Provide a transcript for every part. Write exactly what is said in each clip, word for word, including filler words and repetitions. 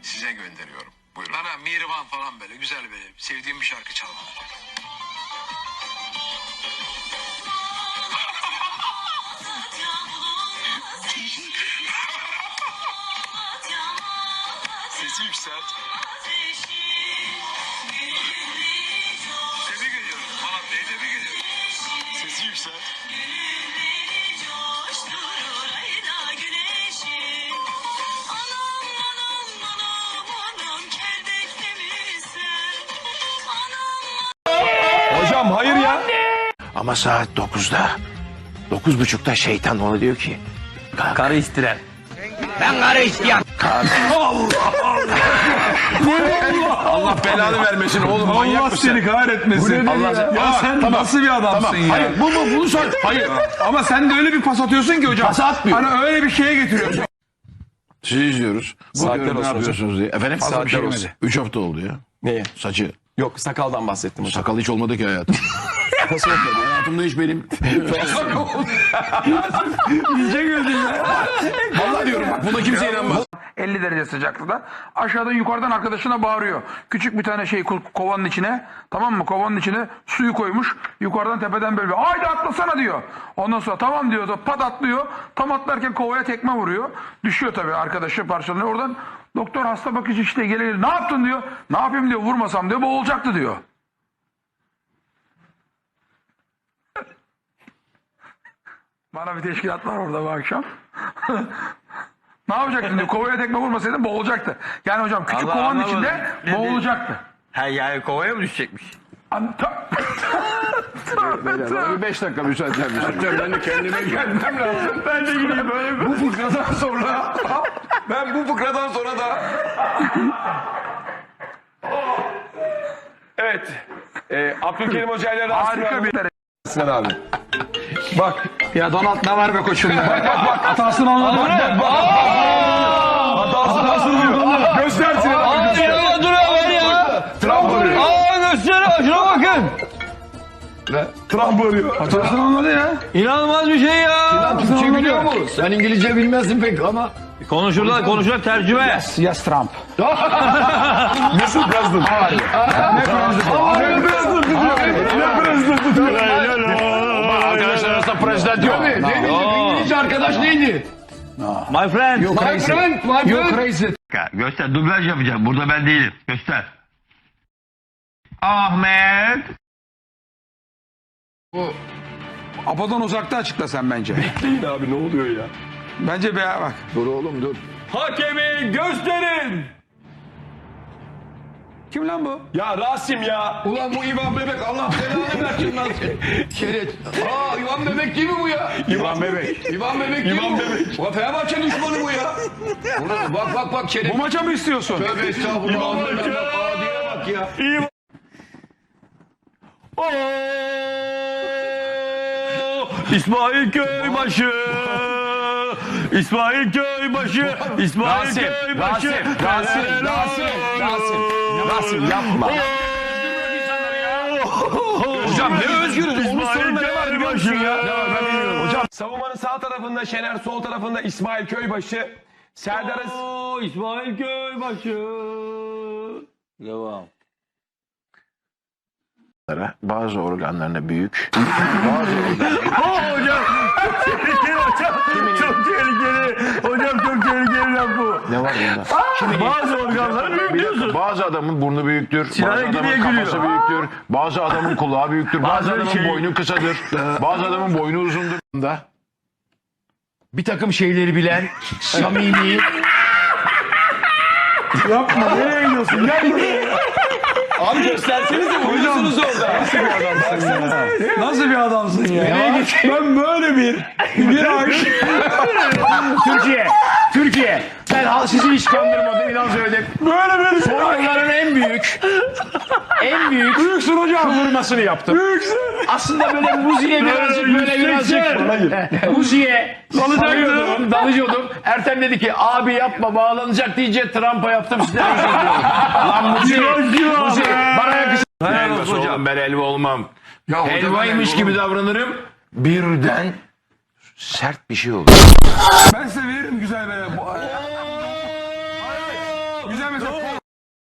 size gönderiyorum. Buyurun. Bana Mihriban falan böyle güzel böyle sevdiğim bir şarkı çalın. Sesi yükselt. Tebrik ediyorum. Malat Bey'i tebrik ediyorum. Sesi yükselt. Hocam hayır ya. Ama saat dokuzda, dokuz buçukta şeytan ona diyor ki kalk. Karı istiren. Ben karı isteyen. Allah belanı vermesin oğlum, manyak Allah mısın? seni kahretmesin. Allah ya Aa, sen tamam, nasıl bir adamsın tamam. ya? Hayır, bu mu? Bunu sor. Hayır. Ama sen de öyle bir pas atıyorsun ki hocam. Pas atmıyor. Hani öyle bir şeye getiriyorsun. Sizi izliyoruz. Bu Saatler diyorum, ne olsun yapıyorsunuz diye. Efendim? Fazla bir şey Saatler yemedi. olsun. Üç hafta oldu ya. Neye? Saçı. Yok, sakaldan bahsettim hocam. Sakal hiç olmadı ki hayatım. Nasıl olmadı? Hayatımda hiç benim. İyice güldün ya. Vallahi diyorum bak, buna kimse inanmaz. elli derece sıcaklıkta. Aşağıdan yukarıdan arkadaşına bağırıyor. Küçük bir tane şey ko- kovanın içine, tamam mı? Kovanın içine suyu koymuş. Yukarıdan tepeden böyle haydi atlasana diyor. Ondan sonra tamam diyor. Pat atlıyor. Tam atlarken kovaya tekme vuruyor. Düşüyor tabii, arkadaşı parçalanıyor. Oradan doktor hasta bakıcı işte geliyor. Ne yaptın diyor. Ne yapayım diyor. Vurmasam diyor. Boğulacaktı diyor. Bana bir teşkilat var orada bu akşam. Ne yapacaktın diyor. Kovaya tekme vurmasaydın boğulacaktı. Yani hocam küçük Allah kovanın anlamadım. içinde Ne boğulacaktı. Ha yani kovaya mı düşecekmiş? An- ta- Bir beş dakika müsaade eder misin? Ben de kendime gelmem lazım. Ben de gideyim böyle. Bu fıkradan sonra ben bu fıkradan sonra da Evet. Ee, Abdülkerim Hoca ile Harika bir Sinan abi. Bak. Ya Donald ne var be koçum ya. Bak bak bak hatasını anladı. Bak bak bak. Hatasını asılıyor. Göster Sinan abi. Göster. Ya duruyor var ya. Trump arıyor. Aa gösteriyor, şuna bakın. Trump arıyor. Hatasını anladı ya. İnanılmaz bir şey ya. Türkçe biliyor mu? Sen İngilizce bilmezsin pek ama. Konuşurlar konuşurlar tercüme. Yes, yes Trump. Mesut Gazdın. Ne Trump'ı? Ne prezidenti diyor. Arkadaşlar arasında prezident yok. Ne diyecek? İngilizce arkadaş neydi? My friend. You crazy. You crazy. Göster, dublaj yapacağım. Burada ben değilim. Göster. Ahmet. Apo'dan uzakta açıkla sen bence. Bekleyin abi, ne oluyor ya? Bence be bak. Dur oğlum dur. Hakemi gösterin. Kim lan bu? Ya Rasim ya. Ulan bu İvan Bebek, Allah belanı versin lan. Şeref. Aa İvan Bebek değil mi bu ya? İvan Bebek. İvan Bebek değil İvan mi bu? Bebek. Ulan Fenerbahçe düşmanı bu ya. Ulan bak bak bak Şeref. Bu maça mı istiyorsun? Tövbe estağfurullah. İvan Bak, Bebek. bak, adiye bak ya. Oo! İsmail Köybaşı. İsmail Köybaşı. İsmail Rasim, Köybaşı. Rasim, Rasim, Rasim, Rasim. Rasim yapma. Hocam ne özgürüz? Onun İsmail sonunda ne var biliyor musun Köybaşı. ya? Ne var ben bilmiyorum. Hocam savunmanın sağ tarafında Şener, sol tarafında İsmail Köybaşı. Serdar Aziz. Oo, İsmail Köybaşı. Devam. Bazı organlarına büyük, bazı organlarına Hocam. Tehlikeli hocam. Çok tehlikeli. Hocam çok tehlikeli lan bu. ne var bunda? Bazı organları büyük Bir diyorsun. dakika, bazı adamın burnu büyüktür, Sinan bazı Engin'e adamın kafası gülüyor. büyüktür, bazı adamın kulağı büyüktür, bazı Bazı adamın şey- boynu kısadır, bazı adamın boynu uzundur. Da bir takım şeyleri bilen, samimi, Yapma, nereye gidiyorsun? Gel buraya. Abi göstersenize, uyuyorsunuz orada. Nasıl bir adamsın ya? Nasıl bir adamsın ya? Ben böyle bir, bir aşk. Türkiye, Türkiye. Ben hal- sizi hiç kandırmadım, inan söyledim. Böyle bir Son yılların en büyük, en büyük büyüksün hocam. kıvırmasını yaptım. Büyüksün. Aslında böyle Muzi'ye birazcık böyle birazcık Muzi'ye dalıyordum, dalıyordum. Ertem dedi ki abi yapma bağlanacak diyece Trump'a yaptım size özür diliyorum. Lan Muzi, Muzi bana yakışır. Helvası oğlum, ben helva olmam. Helvaymış gibi davranırım. Birden sert bir şey oldu. Ben size veririm güzel böyle. Bu- Güzel mesaj.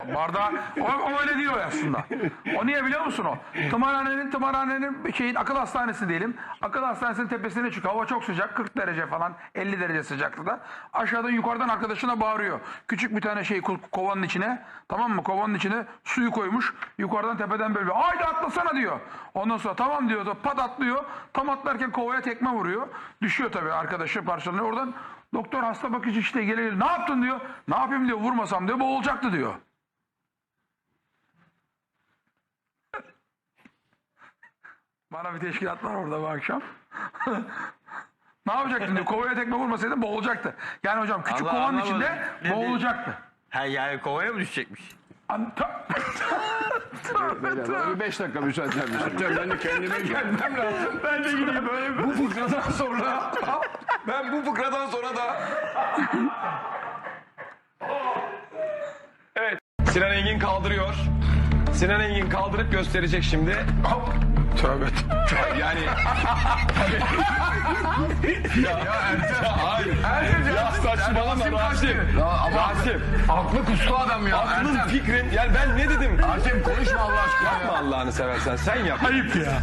Bardağı, o, o öyle değil o aslında. O niye biliyor musun o? Tımarhanenin, tımarhanenin şeyin akıl hastanesi diyelim. Akıl hastanesinin tepesine çıkıyor. Hava çok sıcak, kırk derece falan, elli derece sıcaklıkta. Aşağıdan yukarıdan arkadaşına bağırıyor. Küçük bir tane şey ko- kovanın içine, tamam mı? Kovanın içine suyu koymuş. Yukarıdan tepeden böyle, haydi atlasana diyor. Ondan sonra tamam diyor da pat atlıyor. Tam atlarken kovaya tekme vuruyor. Düşüyor tabii arkadaşı parçalanıyor. Oradan doktor hasta bakıcı işte geliyor. Ne yaptın diyor. Ne yapayım diyor, vurmasam diyor, boğulacaktı diyor. Bana bir teşkilat var orada bu akşam. Ne yapacaktın diyor. Kovaya tekme vurmasaydın boğulacaktı. Yani hocam küçük Allah kovanın anlamadım. içinde Ne boğulacaktı. Ha yani kovaya mı düşecekmiş? Anta. Bir beş dakika müsaade eder misin? Ben de kendime gelmem lazım. Ben de gideyim böyle. Bu fıkradan sonra ben bu fıkradan sonra da Evet. Sinan Engin kaldırıyor. Sinan Engin kaldırıp gösterecek şimdi. Tövbe. Yani ya, ya Ertem. Hayır. Ertem ya saçmalama Rasim. Rasim. Aklı kustu adam ya. Aklın fikrin. Yani ben ne dedim? Rasim konuşma Allah aşkına Yapma ya. Allah'ını seversen. Sen yap. Ayıp ya.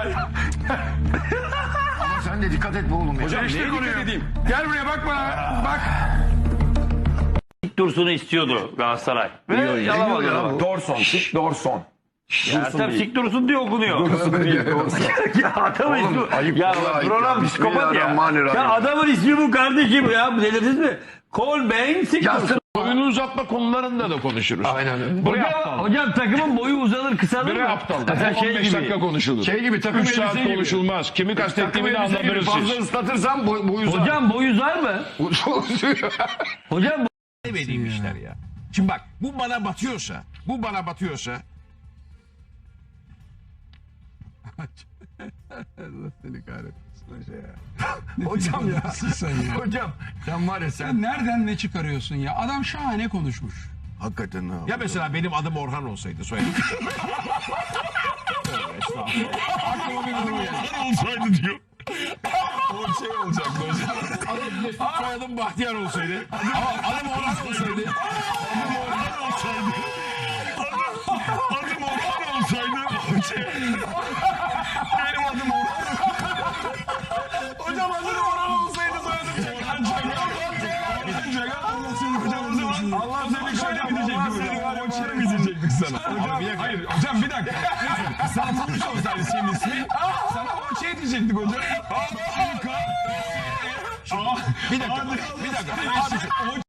Ama sen de dikkat et bu oğlum ya. Hocam Geçtik neye dikkat konuyu. edeyim? Gel buraya bak bana. Bak. Dursun'u istiyordu Galatasaray. Ve yalamadı. Dorson. Sik Dorson. Ertem sik Dursun diye okunuyor. Ya adamın ismi. Ya program psikopat ya. Bismillahirrahmanirrahim. Ya adamın ismi bu kardeşim ya. Delirdiniz mi? Colbain sik Dursun. Boyunu uzatma konularında da konuşuruz. Aynen öyle. Hocam, hocam takımın boyu uzanır kısalır Biri mı? aptal. Mesela şey on beş dakika gibi. konuşulur. Şey gibi takım üç saat elbise gibi. konuşulmaz. Kimi kastettiğimi de Takım elbise gibi anladınız Fazla siz. ıslatırsan boy, boy uzar. Hocam boyu uzar mı? Hocam Vereyim işler ya. Şimdi bak bu bana batıyorsa, bu bana batıyorsa Allah seni kahretsin hoca ya. Hocam ya. Sen ya. Hocam sen var ya sen. Sen nereden ne çıkarıyorsun ya? Adam şahane konuşmuş. Hakikaten ha. Ya mesela benim adım Orhan olsaydı soyadım. Aklıma bir adım geldi. Orhan olsaydı diyor. O şey olacaktı hocam. Soyadım Bahtiyar olsaydı. Ama adım Orhan olsaydı. Adım Orhan olsaydı. Adım Orhan olsaydı. Benim adım Orhan. Hocam adım Orhan olsaydı soyadım Orhan Çakal. Allah seni hocam o zaman. Allah seni şöyle mi diyecektik hocam? O şey mi diyecektik sana? Hocam, bir dakika. Hayır hocam bir dakika. Kısaltılmış olsaydı senin ismi. Sana o şey diyecektik hocam. Bir dakika. Bir dakika.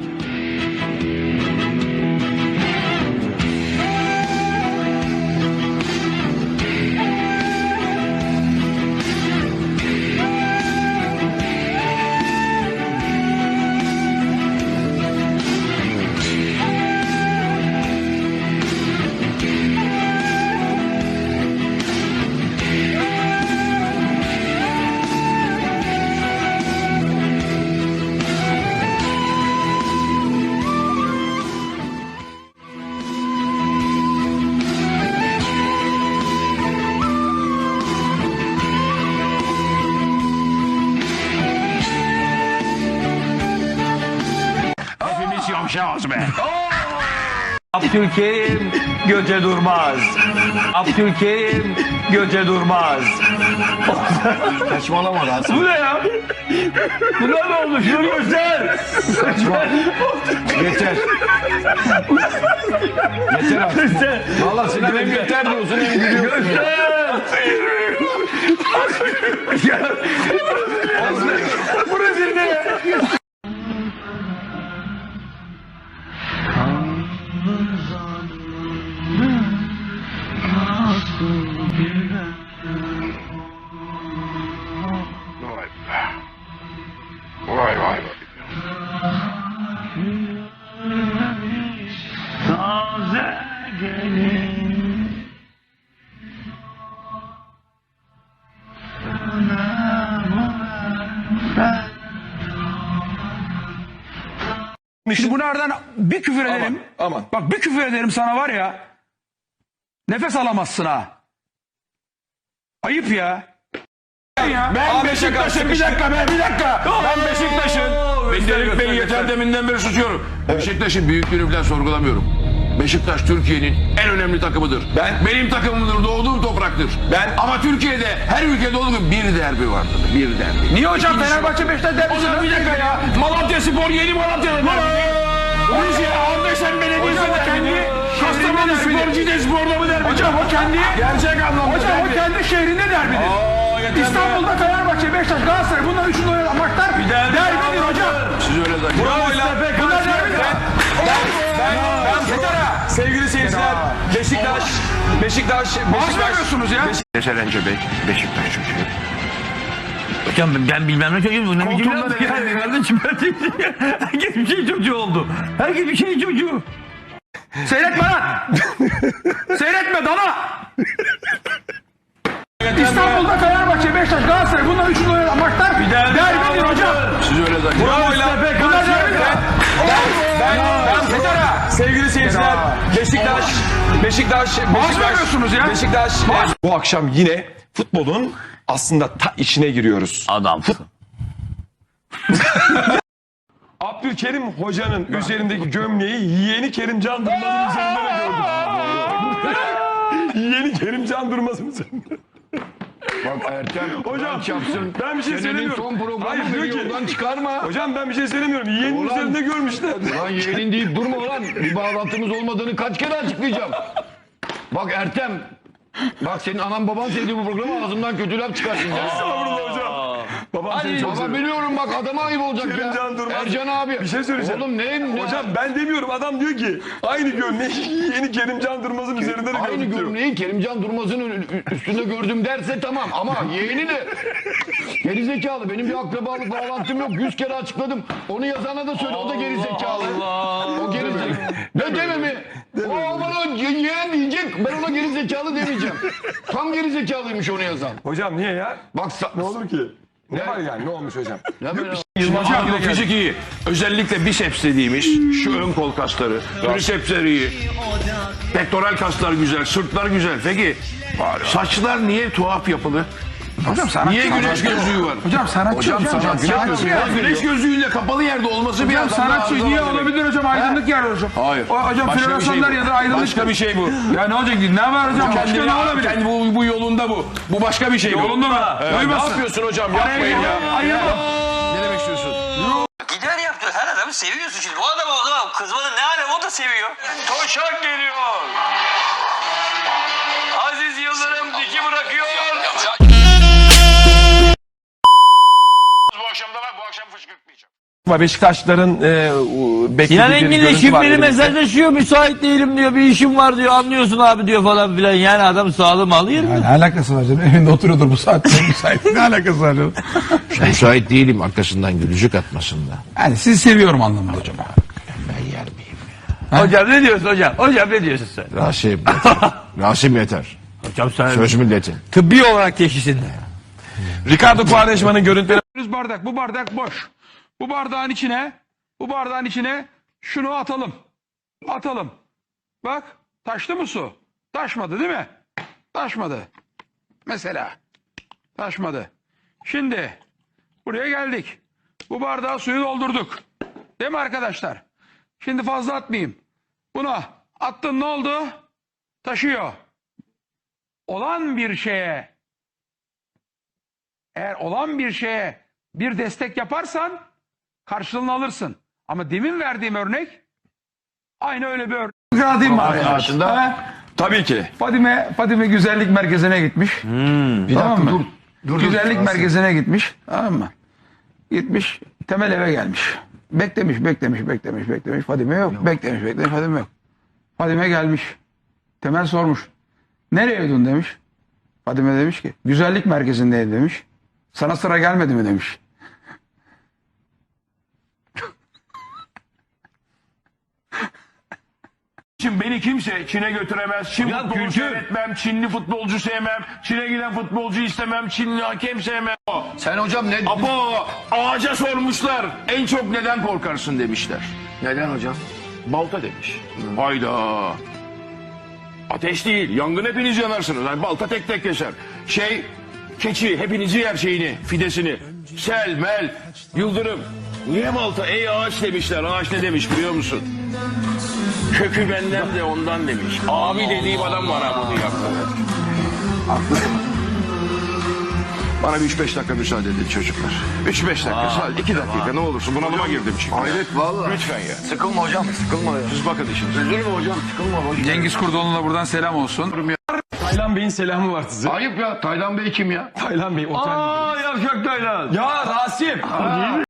Hepimiz yavşağız be. Abdülkerim göce durmaz. Abdülkerim göce durmaz. Saçmalama Rasim. Bu ne ya? Bu ne oldu? Şunu göster. Yeter. Yeter artık. Göster. Valla Sinan hem yeter diyorsun hem gülüyorsun. Göster. Bu rezil ne ya? Vay vay vay. Şimdi bu nereden bir küfür ederim. Aman. Bak bir küfür ederim sana var ya. Nefes alamazsın ha. Ayıp ya. Ya. Ben Beşiktaş'ın bir dakika ben bir dakika. Ben Beşiktaş'ın. Ben Delik Bey yeter deminden beri susuyorum. Beşiktaş'ın büyüklüğünü falan sorgulamıyorum. Beşiktaş Türkiye'nin en önemli takımıdır. Ben- Benim takımımdır, doğduğum topraktır. Ben- Ama Türkiye'de her ülkede olduğu gibi bir derbi vardır. Bir derbi. Niye hocam Fenerbahçe Beşiktaş derbisi? Hocam bir dakika ya. Malatya Spor yeni Malatya'da derbi. Rusya Andeşen Belediyesi Hocam o kendi derbi. şehrinde Kastamonu derbi. Spor Cide Spor'da mı derbi? Hocam o kendi Gerçek anlamda Hocam o derbi. kendi şehrinde derbidir. Aa, yeter be. İstanbul'da Fenerbahçe, Beşiktaş, Galatasaray bunların üçünün oynanan maçlar derbidir hocam. Siz öyle zannediyorsunuz. Bunlar derbidir. Sevgili seyirciler, Beşiktaş, Beşiktaş, Beşiktaş. Vermiyorsunuz ya. Eserence Bey, Beşiktaş çocuğu. Hocam ben bilmem ne çocuğum. Bu ne biçim Koltuğunda laf ne ya? dedi? Kardeşim ben de- herkes bir şey çocuğu oldu. Herkes bir şey çocuğu. Seyretme lan. Seyretme dana. İstanbul'da Fenerbahçe, Beşiktaş, Galatasaray bunların üçünün oynanan maçlar derbidir hocam. Siz öyle zannediyorsunuz. Bunlar derbidir. Sevgili seyirciler, Beşiktaş, Beşiktaş, Beşiktaş, vermiyorsunuz ya. Beşiktaş. Bu akşam yine futbolun aslında ta içine giriyoruz. Adamsın. Abdülkerim Hoca'nın üzerindeki gömleği yeğeni Kerimcan Durmaz'ın üzerinde de gördüm. Yeğeni Kerimcan Durmaz'ın üzerinde. Bak Ertem, Hocam ben bir şey senin söylemiyorum. son programı Hayır, beni diyor ki- yoldan çıkarma. Hocam ben bir şey söylemiyorum. Yeğenin Ulan- üzerinde görmüşler. Lan yeğenin deyip durma ulan. Bir bağlantımız olmadığını kaç kere açıklayacağım. Bak Ertem. Bak senin anan baban sevdiği bu programı ağzımdan kötü laf çıkar şimdi. Estağfurullah hocam. Babam seni çok Baba seviyor. biliyorum bak adama ayıp olacak ya. Kerimcan Durmaz. Ercan abi. Bir şey söyleyeceğim. Oğlum ne? ne? Hocam ben demiyorum. Adam diyor ki aynı gömleği yeğeni Kerimcan Durmaz'ın üzerinde de Aynı gördüm diyor. gömleği Kerimcan Durmaz'ın ü- üstünde gördüm derse tamam ama yeğeni de gerizekalı. Benim bir akrabalık bağlantım yok. Yüz kere açıkladım. Onu yazana da söyle. O da gerizekalı. O gerizekalı. Ne deme mi? O bana ye- yeğen diyecek. Ben ona gerizekalı demeyeceğim. Tam gerizekalıymış onu yazan. Hocam niye ya? Bak sa- Ne olur ki? Ne var yani? Ne olmuş hocam? Ya böyle- Hocam yok fizik iyi. Özellikle biceps dediğimiz şu ön kol kasları, tricepsleri iyi. Pektoral kaslar güzel, sırtlar güzel. Peki saçlar niye tuhaf yapılı? Hocam sanatçı. Niye güneş gözlüğü var? Hocam sanatçı. Hocam sanatçı. Sanatçı ya. Güneş gözlüğüyle kapalı yerde olması bir Hocam adam sanatçı daha niye zor demek. olabilir hocam? Aydınlık yer hocam. Hayır. O, hocam Başka bir floresanlar şey bu. ya da aydınlık. Başka bir şey bu. Ya ne olacak? Ne var hocam? Başka Kendi, ne olabilir? kendi bu, bu yolunda bu. Bu başka bir şey. bu. Yolunda mı? Evet. Ne Duymasın. yapıyorsun hocam? Yapmayın ya. Ayırma. Ne demek istiyorsun? Gider yaptı. Her adamı seviyorsun şimdi. Bu adam o zaman kızmadı ne alem o da seviyor. Toşak geliyor. Aziz Yıldırım diki bırakıyor. Bu akşam da var. Bu akşam fışkırtmayacağım. Beşiktaşların e, beklediği Sinan bir Engin'le görüntü var şifreli elimizde. mesajlaşıyor. Müsait değilim diyor. Bir işim var diyor. Anlıyorsun abi diyor falan filan. Yani adam sağlam alıyor mu? Ne alakası var canım? Evinde oturuyordur bu saatte müsait. Ne alakası var canım? Müsait değilim arkasından gülücük atmasında. Yani sizi seviyorum anlamında hocam. Ben yer miyim? Hocam ne diyorsun hocam? Hocam ne diyorsun sen? Rasim yeter. Rasim yeter. Hocam sen Söz milletin. tıbbi olarak teşhisinde. Ricardo Quaresma'nın görüntüleri Bardak. Bu bardak boş. Bu bardağın içine bu bardağın içine şunu atalım. Atalım. Bak taştı mı su? Taşmadı değil mi? Taşmadı. Mesela. Taşmadı. Şimdi buraya geldik. Bu bardağa suyu doldurduk. Değil mi arkadaşlar? Şimdi fazla atmayayım. Buna attın ne oldu? Taşıyor. Olan bir şeye eğer olan bir şeye bir destek yaparsan karşılığını alırsın. Ama demin verdiğim örnek aynı öyle bir örnek. Değil mi abi? Aslında tabii ki. Fadime, Fadime güzellik merkezine gitmiş. Tamam mı? Güzellik merkezine gitmiş. Tamam mı? Gitmiş. Temel eve gelmiş. Beklemiş, beklemiş, beklemiş, beklemiş. Fadime yok. Beklemiş, beklemiş. Fadime yok. Fadime gelmiş. Temel sormuş. Nereye ödün demiş. Fadime demiş ki güzellik merkezindeydi demiş. Sana sıra gelmedi mi demiş. Şimdi beni kimse Çin'e götüremez. Çin futbolu seyretmem. Çinli futbolcu sevmem. Çin'e giden futbolcu istemem. Çinli hakem sevmem. Sen hocam ne? Apo ağaca sormuşlar. En çok neden korkarsın demişler. Neden hocam? Balta demiş. Hayda. Ateş değil. Yangın hepiniz yanarsınız. Yani balta tek tek keser. Şey keçi hepinizi yer şeyini, fidesini. Sel, mel, yıldırım. Niye balta? Ey ağaç demişler. Ağaç ne demiş biliyor musun? Kökü benden de ondan demiş. Abi dediğim adam var ha bunu yaptı. Bana bir üç beş dakika müsaade edin çocuklar. üç beş dakika sadece iki dakika ne olursun bunalıma girdim çünkü. Hayret valla. Lütfen ya. Sıkılma hocam sıkılma ya. Siz bakın işinize. Üzülme hocam sıkılma. Boş. Cengiz Kurdoğlu'na buradan selam olsun. Taylan Bey'in selamı var size. Ayıp ya Taylan Bey kim ya? Taylan Bey otel. Aa yavşak Taylan. Ya Rasim.